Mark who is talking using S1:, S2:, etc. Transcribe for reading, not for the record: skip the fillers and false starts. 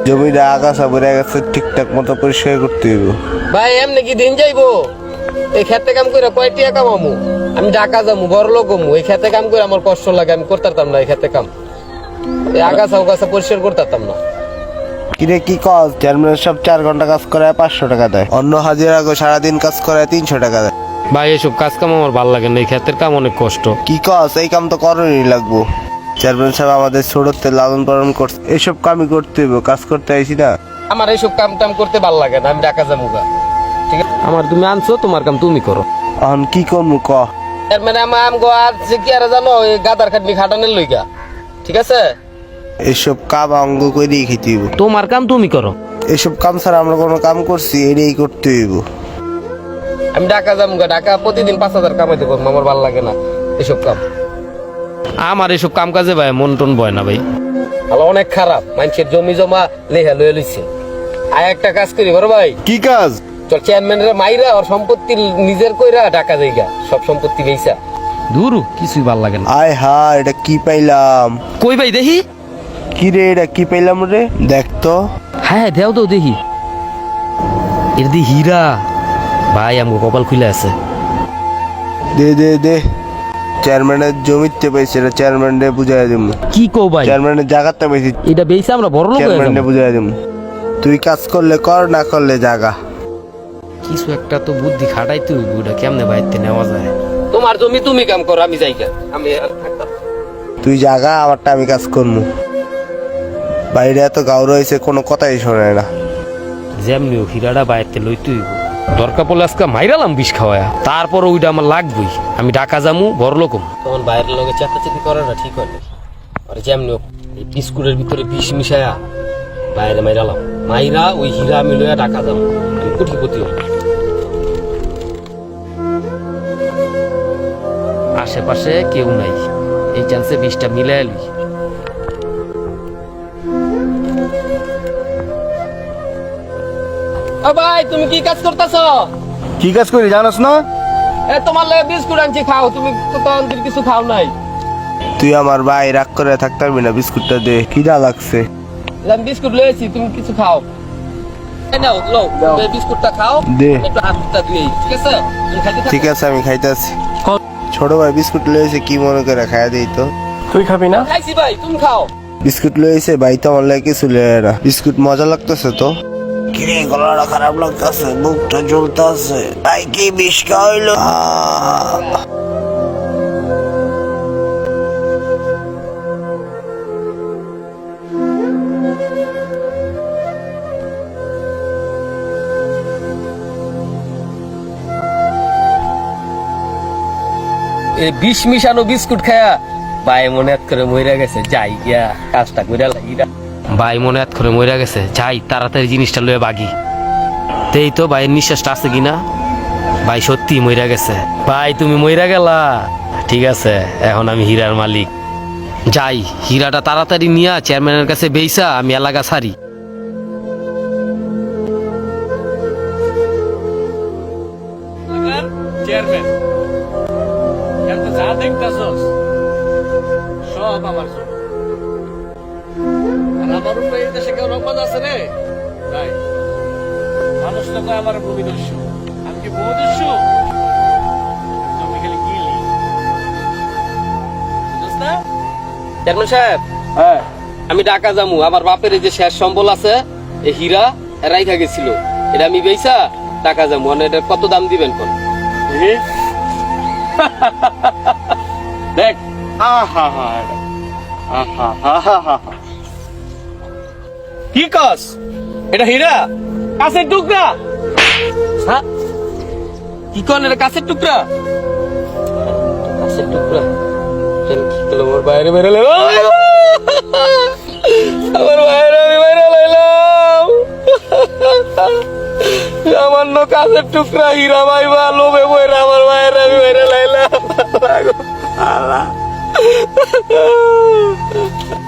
S1: জমিটা আগাছা ভরে গেছে, ঠিকঠাক মতো পরিষ্কার করতে হইব।
S2: ভাই এমনি কি দিন যাইবো? এই খেতে কাম করে কয় টাকা কামামু? আমি ঢাকা যাবো, বড় লোক হমু। এই খেতে কাম করে আমার কষ্ট লাগে, আমি করতাম না এই খেতে কাম। এই আগাছা উগাছা পরিষ্কার করতাম না।
S1: কিরে কি কাজ? চেয়ারম্যান সব 4 ঘন্টা কাজ করে 500 টাকা দেয়, অন্য হাজিরা সারাদিন কাজ করে 300 টাকা দেয়।
S2: ভাই এসব কাজ কাম আমার ভালো লাগে না, এই খেতের কাম অনেক কষ্ট।
S1: কি কাজ? এই কাম তো করণই লাগবো। চেয়ারম্যান সাহেব আমাদের ছোটতে লালন পালন করছে, এইসব কামই করতে হইব, কাজ করতে আইছি না।
S2: আমার এইসব কাম টাম করতে ভালো লাগে না, আমি ঢাকা যাবো গা। ঠিক আছে, আমার তুমি আনছো, তোমার কাম তুমি করো।
S1: এখন কি করবো ক?
S2: মানে আমার আম গো আছে কি আর জানো, এই গাদার খাটনি খাটানের লইগা। ঠিক আছে,
S1: এইসব কাম অঙ্গ করেই খেতে হইব।
S2: তোমার কাম তুমি করো।
S1: এইসব কাম ছাড়া আমরা কোনো কাম করছি? এটাই করতে হইব।
S2: আমি ঢাকা যাবো গা, ঢাকা প্রতিদিন 5,000 কামাইতে পারবো, আমার ভালো লাগে না এসব কাম। আমার এসব কাম কাজে ভাই মন টন বয় না ভাই। আলো অনেক খারাপ, মানুষের জমি জমা লেখা লয়ে লইছে। আয় একটা কাজ করি বড় ভাই।
S1: কি কাজ?
S2: চল চেয়ারম্যানের মাইরা ওর সম্পত্তি নিজের কইরা ঢাকা যাইগা, সব সম্পত্তি বেইছা। দূরু কিছুই ভাল লাগে না।
S1: আয় হা, এটা কি পাইলাম?
S2: কই ভাই দেখি।
S1: কি রে, এটা কি পাইলাম রে? দেখ তো।
S2: হ্যাঁ দেও তো দেখি। এর দি হীরা। ভাই আমগো কপাল খুলে আছে।
S1: দে দে দে। চেয়ারম্যানের জমিতে পাইছে, এটা চেয়ারম্যানে বুঝাই দিম।
S2: কি কও ভাই?
S1: চেয়ারম্যানের জায়গাতে পাইছি,
S2: এটা বেইছা আমরা বড় লোক হয়ে
S1: চেয়ারম্যানে
S2: যাবো।
S1: বুঝাই দিম। তুই কাজ করলে কর, না করলে জাগা।
S2: কিছু একটা তো বুদ্ধি খাটাইতে হইব, এটা কেমনে বাইতে নেওয়া যায়। তোমার জমি তুমি কাম করো, আমি যাইগা। আমি আর থাকতাম।
S1: তুই জাগা, আমারটা আমি কাজ করবো। বাইরে এত গাউর হয়েছে, কোনো কথাই শোনে না।
S2: যেমনিও হীরাটা বাইতে লইতে হইব। দরকার পড়লে আজকে মাইরালাম বিষ খাওয়ায়া, তারপর ওইটা আমার লাগবেই। আমি ঢাকা যামু, বড় লোকম। তখন বাইরের লোকে চেতাচেতি করে না, ঠিক হয় না। আর যেমনিও এই বিস্কুটের ভিতরে বিষ মিশায়া বাইরে মাইরালাম, মাইরা ওই হীরা আমি লইয়া ঢাকা যাবো, আমি কোটিপতি হই। আশেপাশে কেউ নাই, এই চান্সে বিষটা মিলাই লই। ভাই তুমি কি কাজ করতেছ?
S1: কি কাজ করি জানোস না?
S2: তোমার লাগে বিস্কুট আনছি, খাও। তুমি তো তখন কিছু খাও নাই।
S1: তুই আমার ভাই, রাগ করে থাকতে পারবি না। বিস্কুটটা দে, খিদা লাগছে।
S2: আমি বিস্কুট লয়েছি, তুমি কিছু খাও। এই নাও, লও, এই বিস্কুটটা খাও।
S1: দে।
S2: একটু হাতটা ধুই, ঠিক আছে? তুমি খাইতে থাকো।
S1: ঠিক আছে, আমি খাইতেছি। ছোট ভাই বিস্কুট লয়েছে, কি মনে করে খাইয়া দিই তো।
S3: তুই খাবি না?
S2: খাইছি ভাই, তুমি খাও।
S1: বিস্কুট লয়েছে ভাই, তো আমার লাগে কিছু লয়ে না। বিস্কুট মজা লাগতেছে তো। কিরে, গলাটা খারাপ লাগতেছে, বুকটা জ্বলতেছে। ভাই কি বিষ খাওয়াইলো?
S2: এই বিষ মিশানো বিস্কুট খায়া ভাই মনে হাত করে মইরা গেছে, যাই গিয়া কাজটা কইরা লাগি। ভাই মনে হাত করে মইরা গেছে, যাই তাড়াতাড়ি জিনিসটা লয়ে বাগি। তেই তো ভাইয়ের নিঃশ্বাসটা আছে কিনা। ভাই সত্যি মইরা গেছে। ভাই তুমি মইরা গেলা, ঠিক আছে, এখন আমি হীরার মালিক। যাই, হীরাটা তাড়াতাড়ি নিয়া চেয়ারম্যানের কাছে বেইসা আমি এলাকা ছাড়ি।
S3: চেয়ারম্যান, এত যা দেখতাছস সব আমার জন্য। আর আমার উপরে এই দেশে কেউ রকম আছে রে ভাই? মানুষ তো কয় আমার ভূমিদস্যু, আমি কি ভূমিদস্যু? জমি খালি কিলি, বুঝছ না?
S2: চেয়ারম্যান সাহেব,
S3: হ্যাঁ,
S2: আমি ঢাকা যামু। আমার বাপের এই যে শেষ সম্বল আছে, এই হীরা রাইখা গেছিল, এটা আমি বেইসা ঢাকা যামু। মানে এটা কত দাম দিবেন কোন?
S3: দেখি। দেখ, আহা হা, আহা হা হা হা। কি কস? এটা হীরা? কাছের টুকরা?
S2: হ্যাঁ, কি কোন? এটা কাছের টুকরা? কাছের টুকরা? আমার বাইরে বেরো আমার বাইরে আমি বাইরে লাইলাম। সামান্য কাছের টুকরা হীরা ভাই বা লোভে বইরা আমার বাইরে আমি বাইরে লাইলাম।